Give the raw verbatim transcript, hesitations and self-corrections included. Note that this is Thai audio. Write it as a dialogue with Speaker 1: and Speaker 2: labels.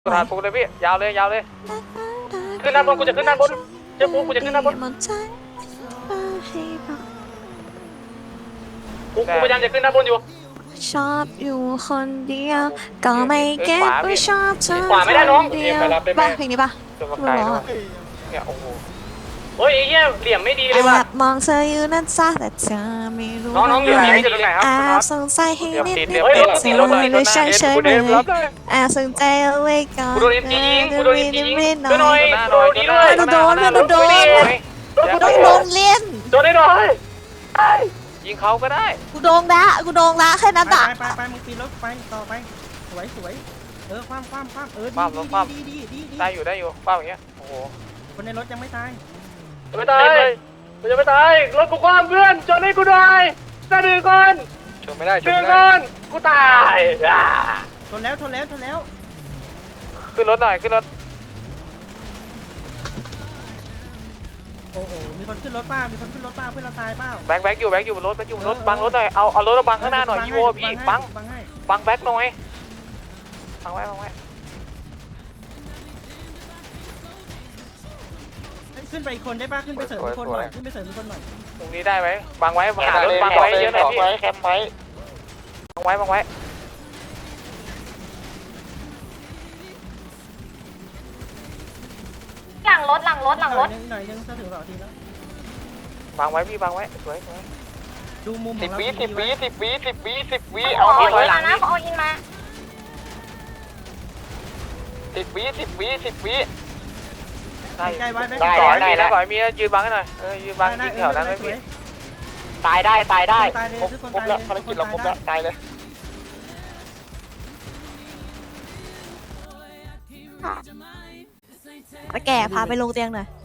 Speaker 1: กระดาษปูเลยพี่ยาวเลยยาวเลยขึ้นด้านบนกูจะขึ้นด้านบนเจ้าปูกูจะขึ้นด้านบนกูกูพยายามจะขึ้นด้านบนอยู่
Speaker 2: ชอบอยู่คนเดียวก็ไม่เก็บว่าชอบเธอ
Speaker 1: ขวาไม่ได้น้อง
Speaker 2: เดียวป่ะเพลงนี้ป่ะ
Speaker 1: จนมาไกลแล้วเนี่ยโอ้โหเฮ้ยไอ้เหี้ยเหลี่ยมไม่ดีเลยว่ะ
Speaker 2: แอบมองเธออยู่นั่นจ้าแต่เธอไม่รู้
Speaker 1: น้องๆอยู่ไหนอยู่ตรงไหนครับ
Speaker 2: แอบสงสัยให้นิดนิด
Speaker 1: เฮ้ย
Speaker 2: แต่
Speaker 1: รถ
Speaker 2: เธ
Speaker 1: ติด
Speaker 2: อ
Speaker 1: รถเลย
Speaker 2: ไม่ใช่เฉยเลย
Speaker 1: รับได้
Speaker 2: แอบสนใจเอาไว้ก่อน
Speaker 1: กูโดนเอ็มจียิงกูโดนเอ็มจียิง
Speaker 2: ไม่
Speaker 1: ช่วยหน่อยโดนดีด้วย
Speaker 2: โดนโดนโดนกูต้องโดนเล่น
Speaker 1: โดนได้หน่อยยิงเขาก็ได้
Speaker 2: กูโดนละกูโดนละแค่นั้น
Speaker 3: ไป
Speaker 2: อ่ะ
Speaker 3: ไปไปมึงตีรถไปต่อไปสวยสวยเออคว่ำคว่ำคว่ำเออ
Speaker 1: คว่ำลงคว่ำ
Speaker 3: ดีดีดีดี
Speaker 1: ได้อยู่ได้อยู่ป้าอย่างเงี้ยโอ้โห
Speaker 3: คนในรถยังไม่ตาย
Speaker 1: จะไม่ตายมันจะไม่ตายรถกูคว่ำเพื่อนชนให้กูหน่อยจะดึงก่อนชนไม่ได้ชนไม่ได้กูตายอ่า
Speaker 3: ชนแล้วชนแล้วชนแล้ว
Speaker 1: ขึ้นรถหน่อยขึ้นรถ
Speaker 3: โอ้โหมีคนขึ้นรถป้ามีคนขึ้นรถป้าเพื่อนเราตายเปล่า
Speaker 1: แบงค์แบงค์อยู่แบงค์อยู่บนรถแบงค์อยู่บนรถบังรถหน่อยเอาเอารถมาบังข้างหน้าหน่อยอีโวพี่บัง
Speaker 3: บังให้
Speaker 1: บังแบงค์หน่อยบังไว้บังไว้
Speaker 3: ขึ้นไปอีกคนได้ป่ะขึ้นไปเสริมอีกคนหน่อยขึ้นไปเสริมอีกคนหน่อย
Speaker 1: ตรงนี้ได้ไหมบังไว้หารถบังไว้เยอะหน่อยพี่
Speaker 4: แคมป์ไว้
Speaker 1: บังไว้บังไว้
Speaker 5: หลังรถหลังรถหลังรถ
Speaker 3: หน่อยนึงหน่อยนึงจะถึงสองทีแล้ว
Speaker 1: บังไว้พี่บังไว้สวยสวย
Speaker 3: ดูมุมข
Speaker 4: สิ
Speaker 3: อบ งเรา
Speaker 4: วิสิบวิสิบวิสิบวิสิบวิ
Speaker 5: เอา
Speaker 4: เอา
Speaker 5: อิ
Speaker 4: ที่
Speaker 5: น
Speaker 4: ถอยหลั
Speaker 5: มาง นะเอาอินมา
Speaker 4: สิบวิสิบวิสิบวิ
Speaker 1: ได้
Speaker 3: ใกล้ไว้ไหม
Speaker 4: ได้
Speaker 1: ต่อย
Speaker 4: ได้
Speaker 1: มี
Speaker 4: ได้
Speaker 1: นะต่อยมียืนบังให้หน่อยเออยืนบังยิงแถวนั้นไม่มี
Speaker 4: ตายได้ตายได้
Speaker 3: ตายเลย
Speaker 4: ครบ
Speaker 3: ทุกคน
Speaker 4: ครบ
Speaker 3: ตาย
Speaker 4: แล้ว
Speaker 3: เลย
Speaker 4: ภารกิจเราครบแล้วตายเลย
Speaker 2: ตะแก่พาไปลงเตียงหน่อย